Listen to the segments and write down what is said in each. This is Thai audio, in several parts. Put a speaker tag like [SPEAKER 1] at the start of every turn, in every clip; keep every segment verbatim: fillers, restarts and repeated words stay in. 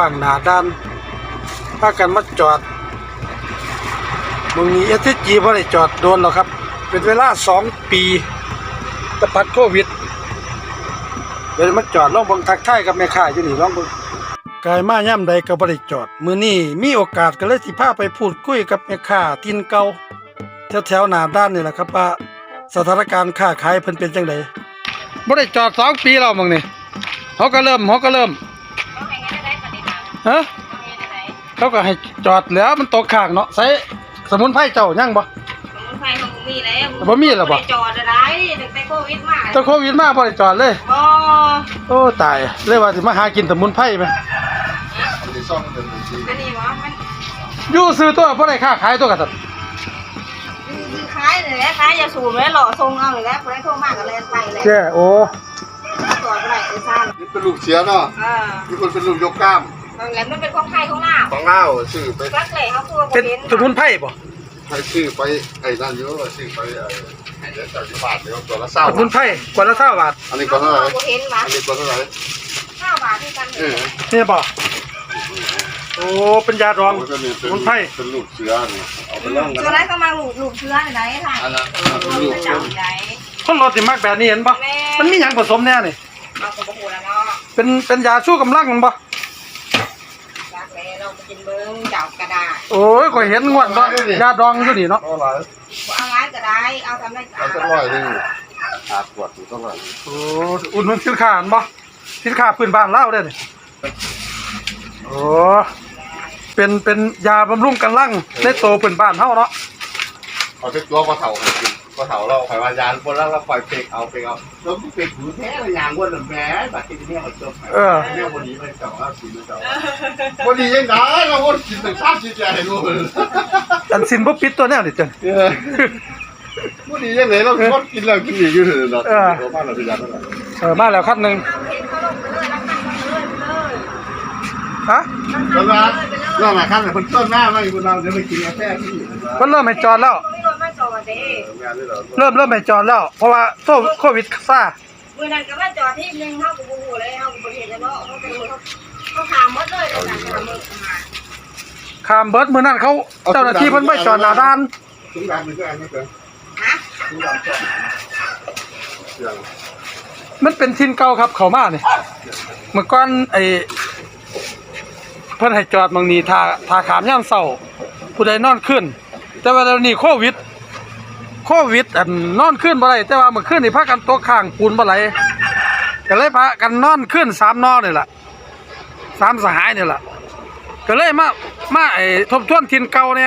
[SPEAKER 1] างหน้าด้านพากันมาจอดมึงนี้เอสจีบ่ได้จอดโดนหรอกครับเป็นเวลาสองปีตะปัดโควิดเดี๋ยวมาจอดลองเบิ่งทักทายกับแม่ค้าอยู่นี่ลองเบิ่งกายมาย่ำใดก็บ่ได้จอดมื้อนี้มีโอกาสก็เลยสิพาไปพูดคุยกับแม่ค้าถิ่นเก่าแถวๆหน้าด้านนี่แหละครับว่าสถานการณ์ค้าขายเพิ่นเป็นจังไดบ่ได้จอดสองปีแล้วมึงนี่เฮาก็เริ่มเฮาก็เริ่มฮะเขาก็ให้จอดแล้วมันตกข้างเนาะใส่สมุนไพรเจ้ายังบ่
[SPEAKER 2] สมุนไพรของมีแล้ว
[SPEAKER 1] บ่มีแล้วบ่
[SPEAKER 2] จอดอะไรตั้งแต่โควิดมา
[SPEAKER 1] ตั้งโควิดมาบ่ได้จอดเลย
[SPEAKER 2] บ่
[SPEAKER 1] โอ้ตายเลยว่าสิมาหากินสมุนไพรมั้ย
[SPEAKER 2] อันนี้บ่มัน
[SPEAKER 1] อยู่ซื้อตัวบ่ได้ค้าขายตัวกันซั่น
[SPEAKER 2] ซื้อขายนี่แหละขายยาสูบแล้วหล่อทรงเอานี่แหละบ่ได้โทรมาก็แล่นไปแล้ว
[SPEAKER 1] แจ้โอ้
[SPEAKER 2] จอดบ่ได้ไอ้ซ่าน
[SPEAKER 3] นี่เป็นลูกเสียเนาะ
[SPEAKER 2] อ่า
[SPEAKER 3] มีคนเป็นลูกยกกล้าม
[SPEAKER 2] นั่นแหละมันเป็นของไทยของลาว
[SPEAKER 3] ของลาวชื่อไป
[SPEAKER 2] รักเลยเฮาคือบ่
[SPEAKER 1] เป็นสมุนไพรบ่
[SPEAKER 3] ใครชื่อไปไอ้นั่นอยู่ว่าชื่อไปไอ้ไอ้เจ้าสิบบาทเดียวตัวละเศร้า
[SPEAKER 1] สมุนไพรกว่าละ20บาท
[SPEAKER 3] อันนี้ก็เท่าไหร่
[SPEAKER 2] บ่เห็นว่า
[SPEAKER 3] อันนี้ก็เท่าไหร่
[SPEAKER 2] ห้าบาทที่กัน
[SPEAKER 3] เออ
[SPEAKER 1] นี่บ่โอ้เป็นยาดองสมุนไพร
[SPEAKER 3] เป็นลูกเสือนี่เอาไปลองกัน
[SPEAKER 2] ตัวนั้นก็มาลูกลูกเชื้อไหนๆค่ะ
[SPEAKER 3] อันนั้นลูกเสือใหญ่
[SPEAKER 1] คนรถสิมักแบบนี้เห็นบ่มันมีหยังผสมแน่นี่
[SPEAKER 2] เอาก็บ่ฮู้แล้วเนาะ
[SPEAKER 1] เป็นเป็นยาชูกำลังมันบ่
[SPEAKER 2] รักเลยเราไปกินเบิ่งเจ้ากระดาษ
[SPEAKER 1] โอ้ยก็เห็นงวดเนาะยาดองอยู่นี่เนาะ
[SPEAKER 3] เท่าไหร่
[SPEAKER 2] เอาร้ายก็ได้เอาทำได้
[SPEAKER 3] เอาสักร้อยนึงขาดปวดอยู่เท่าไหร่
[SPEAKER 1] โอ้อุ่นมันสินค้าอันบ่สินค้าพื้นบ้านลาวเด้อนี่โอ้เป็นเป็นยาบำรุงกำลังในโตพื้นบ้านเฮาเนาะ
[SPEAKER 3] เอาไปตัวปลาเถาให้กินปลาเถาเราไขวานยานคนแล้วเราปล่อยเปกเอาเปกเอาแล้วเปกหูแท้เลยยางวนแหมบัดที่นี่เอาจบเออเนี่ยวันนี้ไปเจ้าเอากินเจ้าวันนี้ยังได้เราวนกินถึงชาติที่ใจรู้
[SPEAKER 1] อันสินบ่ปิดตัวแนวนี่จัง
[SPEAKER 3] เออวันนี้ยังไงเราวนกินแล้วกินอีกอยู่เถอะเนาะเออบ้านเราเป็นยังไง
[SPEAKER 1] เออมาแล้วคันนึงฮะ
[SPEAKER 3] แล้วนะแล้วนะขั้นคนต้นหน้าไม่คนเราจะไปกินกาแฟที่
[SPEAKER 1] เพิ่นเริ่มให้จอดแล้วเริ่มเริ่มให้จอดแล้วเพราะว่าโควิดซ่า
[SPEAKER 2] มื้อนั้นก็มาจอดที่นึงเฮาก็บ่ฮู้เลยเฮาก็บ่เห็นแล้วเนาะเฮาก็เขาถามหมดเลยนั่นน่ะมื้อมา
[SPEAKER 1] ข้ามเบิดมื้อนั้นเขาเจ้าหน้าที่เพิ่นไม่จอดหน้าด่าน
[SPEAKER 3] ถุงดำมันก็อันนี้เด้อ
[SPEAKER 2] ฮะ
[SPEAKER 3] ถุงดำจ้ะ
[SPEAKER 1] มันเป็นทินเก่าครับเข้ามานี่เมื่อก่อนไอ้เพิ่นให้จอดบางนี้ท่าท่าขามยามเช้าผู้ใดนอนขึ้นแต่ว่าเดี๋ยวนี้โควิดโควิดอันนอนขึ้นบ่ได้แต่ว่าเมื่อคืนนี่พากันตกข้างปูนบ่ไหลก็เลยพากันนอนขึ้นสามนอนี่ล่ะสามสหายนี่ล่ะก็เลยมามาไอ้ทบทวนถิ่นเก่าเนี่ย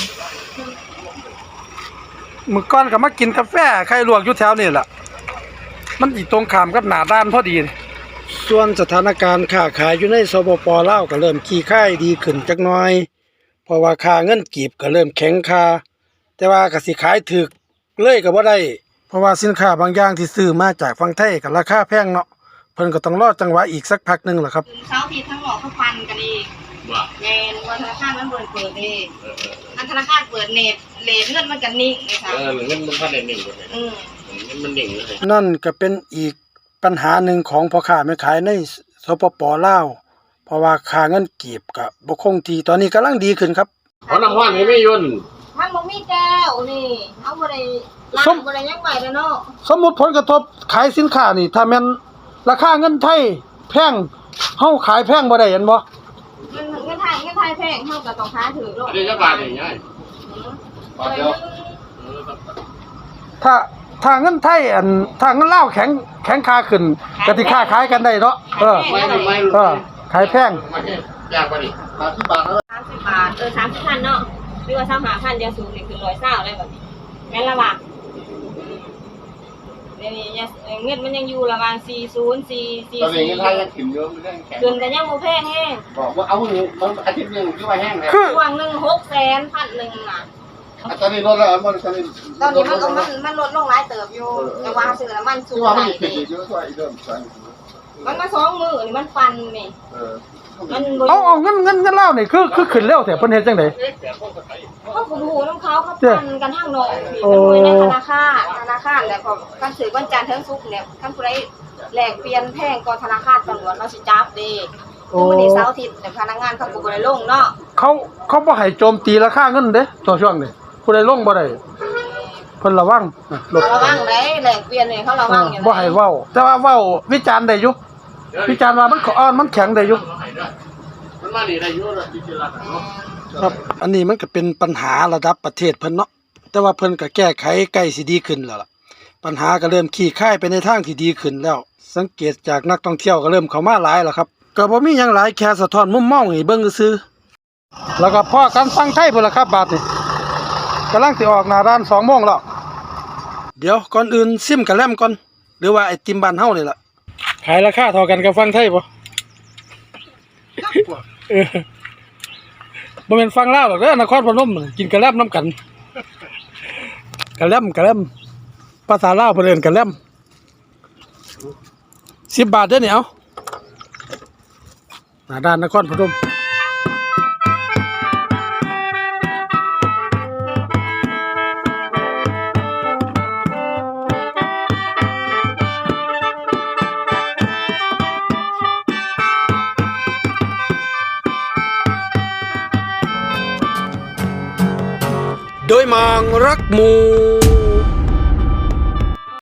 [SPEAKER 1] มื้อก่อนก็มากินกาแฟไข่ลวกอยู่แถวนี่ล่ะมันอีตรงข้ามกับหน้าด้านพอดีส่วนสถานการณ์ค้าขายอยู่ในสปป.ลาวก็เริ่มคลี่คลายดีขึ้นจักหน่อยเพราะว่าค่าเงินกีบก็เริ่มแข็งค่าแต่ว่าก็สิขายถูกเลยก็บ่ได้เพราะว่าสินค้าบางอย่างที่ซื้อมาจากฝั่งไทยก็ราคาแพงเนาะเพิ่นก็ต้องรอจังหวะอีกสักพักนึงล่ะครับ
[SPEAKER 2] เช้าที่ทั้งหลอกเขาฟันกันอีกว่าแม่นว่าธนาคารมันเปิดเปิดเด้อันธนาคารเปิดเน็ตเลทเงินมันก็นิ่งนะคะ
[SPEAKER 4] เออเงินมันพันได้นิ่งเลยอือเงินมันนิ่งเลย
[SPEAKER 1] นั่นก็เป็นอีกปัญหาหนึ่งของพ่อค้าแม่ขายในสปป.ลาวเพราะว่าค่าเงินกีบก็บ่คงที่ตอนนี้กำลังดีขึ้นครับ
[SPEAKER 4] เอาน้ำร้อนให้แม่ยนต์
[SPEAKER 2] มันบ่มีแก้วนี่เฮาบ่ได้ล้างบ่ได้ยังไว้แล้วเนาะ
[SPEAKER 1] สมมุติผลกระทบขายสินค้านี่ถ้าแม่นราคาเงินไทยแพงเฮาขายแพงบ่ได้เห็นบ่
[SPEAKER 2] เงินเงินไทยเงินไทยแพงเฮาก็ต้องขายถูกโลด
[SPEAKER 4] อันนี้จักบาทนี่ยายบาทเดียว
[SPEAKER 1] ถ้าถ้าเงินไทยอันถ้าเงินลาวแข็งแข็งค่าขึ้นก็สิค้าขายกันได้เนาะเออเออขายแพง
[SPEAKER 4] ยากกว่านี่
[SPEAKER 3] สามสิบบาทแล้ว
[SPEAKER 2] สามสิบบาทเออสามสิบพันเนาะหรือว่าสามสิบห้าพันยาสูบนี่คือร้อยเศร้าเลยแบบนี้แม่นละบาทเดี๋ยวนี้เงินมันยังอยู่ระหว่างสี่สิบ สี่ สี่
[SPEAKER 3] ตอนนี้เงินไทยยังขึ้นเยอะไม่ได้แข็ง
[SPEAKER 2] ขึ้นแต่ยังบ่แพงแห้ง
[SPEAKER 3] บอกว่าเอาหนูมันอาทิตย์นึงคือว่าแห้งแล้ว
[SPEAKER 2] ช่วงนึง หกแสน พันนึงน่ะ
[SPEAKER 3] ตอนนี้ลดแล้วมันตอนนี้
[SPEAKER 2] ตอนนี้มันก็มันมันลดลงหลายเติบอยู่แต่ว่าซื้อน้ำมันสูงหลายนี่มันมาสองมื้อนี่มันฟันนี่เออ
[SPEAKER 1] มันเอาเอาเงินเงินเงินเล่านี่คือคือขึ้นเร็วแต่เพิ่นเฮ็ดจังได๋
[SPEAKER 2] เขาก็บ่ฮู้นำเขาเขาปั่นกันทางนอกนี่ในธนาคารธนาคารแล้วก็คันซื้อวันจันทร์ถึงศุกร์เนี่ยคันผู้ใดแลกเปลี่ยนแพงกว่าธนาคารตำรวจเราสิจับเด้คือมันนี่เสาร์อาทิตย์แต่พนักงานเขาก็บ่ได้ลงเนาะ
[SPEAKER 1] เขาเขาบ่ให้โจมตีราคาเงินเด้ตัวช่วงนี้ผู้ใดลงบ่ได้เพิ่นระวังนะรถ
[SPEAKER 2] ระวังได้แลกเปลี่ยนนี่เขาระวังอยู่
[SPEAKER 1] บ่ให้เว้าแต่ว่าเว้าวิจารณ์ได้อยู่วิจารณ์ว่ามันอ่อนมันแข็งได้อยู่
[SPEAKER 4] มันมานี่ได้อยู่แล้วที่รักเนาะ
[SPEAKER 1] ครับอันนี้มันก็เป็นปัญหาระดับประเทศเพิ่นเนาะแต่ว่าเพิ่นก็แก้ไขใกล้สิดีขึ้นแล้วล่ะปัญหาก็เริ่มคลี่คลายไปในทางที่ดีขึ้นแล้ว สังเกตจากนักท่องเที่ยวก็เริ่มเข้ามาหลายแล้วครับก็บ่มีหยังหลายแค่สะท้อนมุมมองให้เบิ่งซื่อๆแล้วก็พอกันฟังไทยพุ่นล่ะครับบาดนี้กำลังสิออกหน้าร้านสองโมงแล้วเดี๋ยวก่อนอื่นซิมกะแลมก่อนหรือว่าไอติมบ้านเฮานี่ล่ะขายราคาเท่ากันกับฟังไทยบ่เออบ่แม่นฟังลาวหรอกเด้อนครพนมกินกะแลมนํกันกะแลมกะแลมภาษาลาวเพิ่นเอิ้นกะแลมสิบบาทเด้อนี่เอาหน้าด้านนครพนมโดยมองรักหมู่